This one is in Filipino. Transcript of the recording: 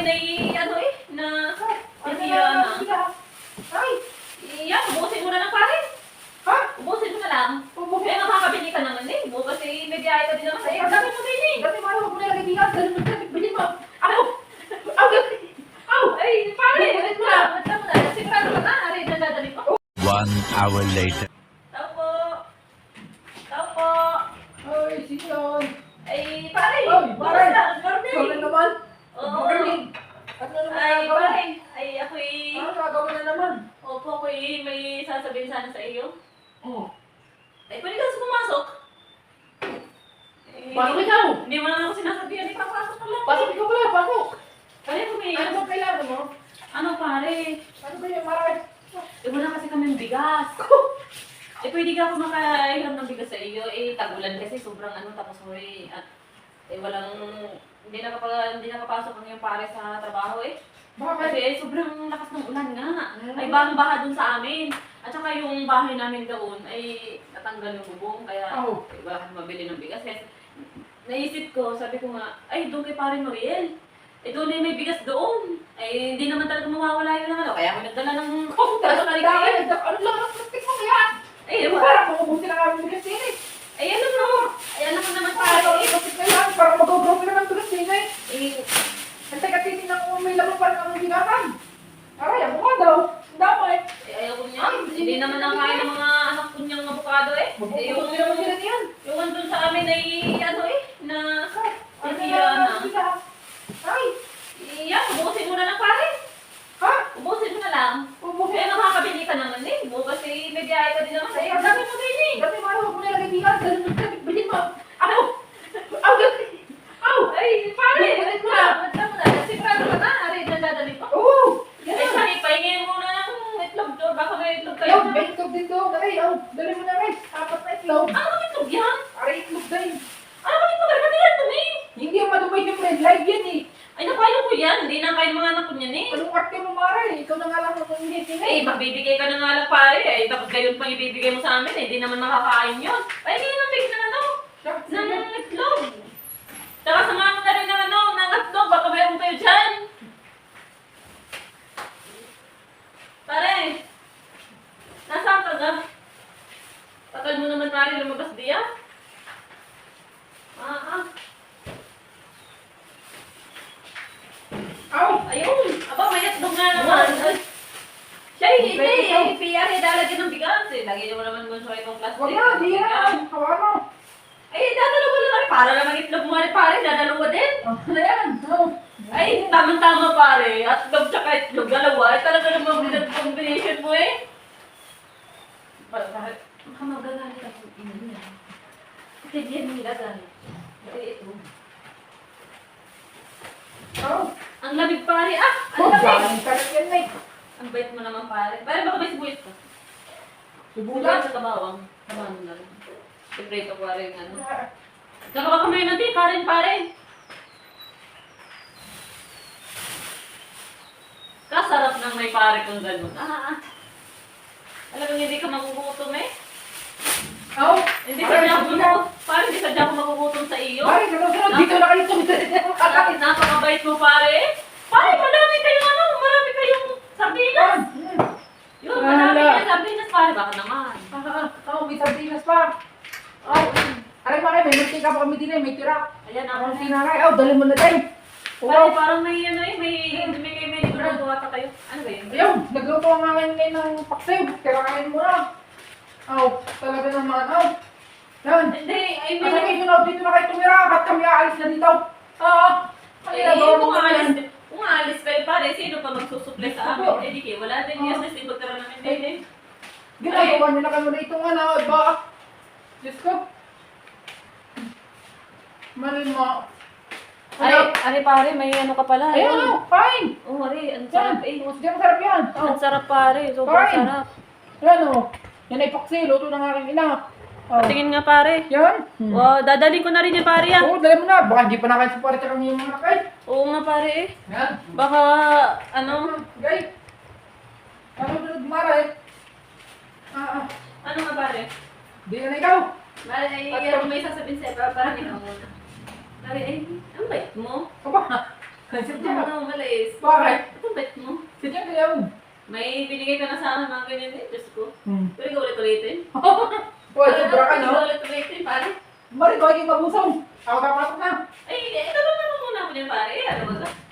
na ano na titira na. Ay! Yan, ubusin mo na lang pare. Ha? Ubusin mo na lang. Ubusin? Eh, makakabili ka naman eh. Bukas eh, may biyahe ka din naman sa iyo. Sabi mo din eh. Dati mahal ko na lagi bigas. Bilhin mo. Ako! Aw! Aw! Ay, pare, ulit mo na. Ulit mo na. Sigurado ka na. Aray, nadadali ko. 1 hour later. Tao po. Tao po. Ay, sino yun? Ay, pare. Ay, pare. Good morning. Sorry naman. Oo. Good morning. Ano naman Ay, nagawa? pare. Ay, ako'y... Ano gagawin na naman? Opo, ako'y may sasabihin sana sa iyo. Oh. Ay, pwede ka pumasok. Eh, Pasok ikaw! Hindi mo naman ako sinasabihan. Ipapasok ka lang. Pasok ikaw pala, pasok! Kaya kung may... Ano ba kailangan mo? Ano, pare? Ano ba yung maray? Eh, wala kasi kaming bigas. Eh, pwede ka ako makahiram ng bigas sa iyo. Eh, tag-ulan kasi sobrang ano, tapos huli. At, walang... Hindi nakapasok ang iyong pare sa trabaho eh. Bakit? Kasi sobrang lakas ng ulan nga. Mm. Ay, bahang-baha dun sa amin. At saka yung bahay namin doon ay natanggal yung bubong. Kaya, Oh. wala kang mabili ng bigas. Kaya, naisip ko, sabi ko nga, ay, doon kay pare Noriel. Eh, doon ay may bigas doon. Ay, hindi naman talaga mawawala yun ng ano. Kaya ako nagdala ng... Oh, Ano dami! Ano lang ang plastic mo kaya? Ay, Parang makubusin ang aming bigas din eh. ay, alam mo. Ay, alam mo naman Parang pare. plastic na yan. Parang mag-grow na ng bigas din eh. Eh, Antay ka titignan kung may laman parang aming bigasan. Aray, ako nga daw. Ang damay. ayaw ko niya. Hindi naman nakain ng mga anak ko niyang avocado eh. Eh, Yung naman sila niyan. yung andun sa amin ay, ano na... Ano Titira na. na? Ay! Yan, ubusin mo na lang pare. Ha? Ubusin mo na lang. Ubusin. Eh, makakabili ka naman eh. Bukas eh, may biyahe ka din naman sa iyo. Sabi mo din eh. Dati mahal ko na lagi bigas. Bilhin mo. Ako! Aw! Aw! Ay, pare, Ulit ulit mo na. Ulit mo na. Sigurado ka na. Aray, nadadali ko. Oo! Ay, pare, pahingin mo na ng itlog to. Baka may itlog kayo. Ayaw, may itlog dito. Aray, aw! Dali mo na rin. Apat na itlog. Ano bang itlog yan? Aray, itlog din. Ano bang itlog? Ano ba dumi? Hindi yung madumay yung red light yan eh. Ay, napayo ko yan. Hindi na kain mga anak ko niyan eh. Anong arte mo, Mara? Ikaw na nga lang kung hindi. Eh, magbibigay ka na nga lang pare eh. Tapos gayon pang ibibigay mo sa amin eh. Hindi naman makakain yun. Ay, hindi naman bigyan ng ano. Ng itlog. Tsaka samahan mo na rin ng ano, ng itlog. Baka mayroon kayo dyan. Pare, nasaan ka na? Tagal mo naman pare lumabas diya. Aw! Ayun. Aba, may itlog nga naman. Siya, hindi. Piyari, dalagyan ng bigas eh. Lagyan mo naman mo sa itong plastic. Wag na, di yan. Hawa mo. Ay, dadalawa lang kami. Para naman itlog mo rin pare. Dadalawa din. Ano yan? Oh. Ay, tamang-tama pare. At itlog tsaka itlog. Dalawa. Ay, talaga namang combination mo eh. Bakit? Baka magagalit ako. Ina niya. Kasi diyan nila galit. Kasi ito. Aw! Ang lamig pare. Ah! Ang Oh, lamig! galing ka na yan eh. Ang bait mo naman pare. Pare, baka may sibuyas ka. Sibuyas Subulan. sa kabawang. Kabawang mo lang. Separate ko pare yung ano. Tsaka baka may natin karin pare. Kasarap ng may pare kung gano'n. Alam mo, hindi ka magugutom eh. Aw! Hindi sadya ako magugutom. Pare, hindi sadya ako magugutom sa iyo. Ay, sunod-sunod. Dito na kayo tumitin. Napakabait mo pare. Pare, marami kayong sardinas. Yun, marami kayong sardinas pare. Baka naman. Aw, may sardinas pa. Aw! Aray mga may munti ka pa kami din eh. May tira. Ayan Ang ako. tinaray. Aw, dali mo na tayo. Pare, parang may ano eh, may naguluto ata kayo. Ano ba yun? Ayun, nagluto ang akin ngayon ng paksiw. Kirain mo na. Aw, talaga naman. Aw. Yan. Hindi, ay Ano may... kayo na dito na kayo tumira? Ba't kami aalis na dito? Kung aalis kayo pare, sino pa magsusupply sa amin? Eh di kayo, wala din yes, kasi pagkara namin din eh. Ginagawa nyo na kami na itong ano, ba? Diyos ko. Marin mo. Ari pare, may ano ka pala. Ayun, ano, fine. Oh, ari, ang Yan. sarap eh. Diyan masarap yan. Ang sarap pare, sobrang Fine. sarap. Yan o. Yan ay paksi, luto ng aking ina. Oh. Tingin nga pare. Yan. Wow, dadaling ko na rin yan pare yan. Oo, dali mo na. Baka hindi pa nakain sa parang tsaka yung mga nakay. Oo nga pare eh. Yan. Baka, ano, Gay. Ano sunod mara eh? ano nga pare? Di na ikaw. Pare, ay, may sasabihin sa'yo, parang ikaw muna. Pare, ay, ang bait mo. Aba. Kasi Ito mo na umalis. Bakit? Ito bet mo. Si Jack ayaw. May binigay ka na sa akin mga ganyan eh. Diyos ko. Pero ikaw ulit-ulitin. Uy, sobra ka, Ikaw no? ulit-ulitin, pare. Mari, ko ay mabusong. Ako kapasok na. Ay, ito lang naman muna ako niyan, pare. Ano ba ka?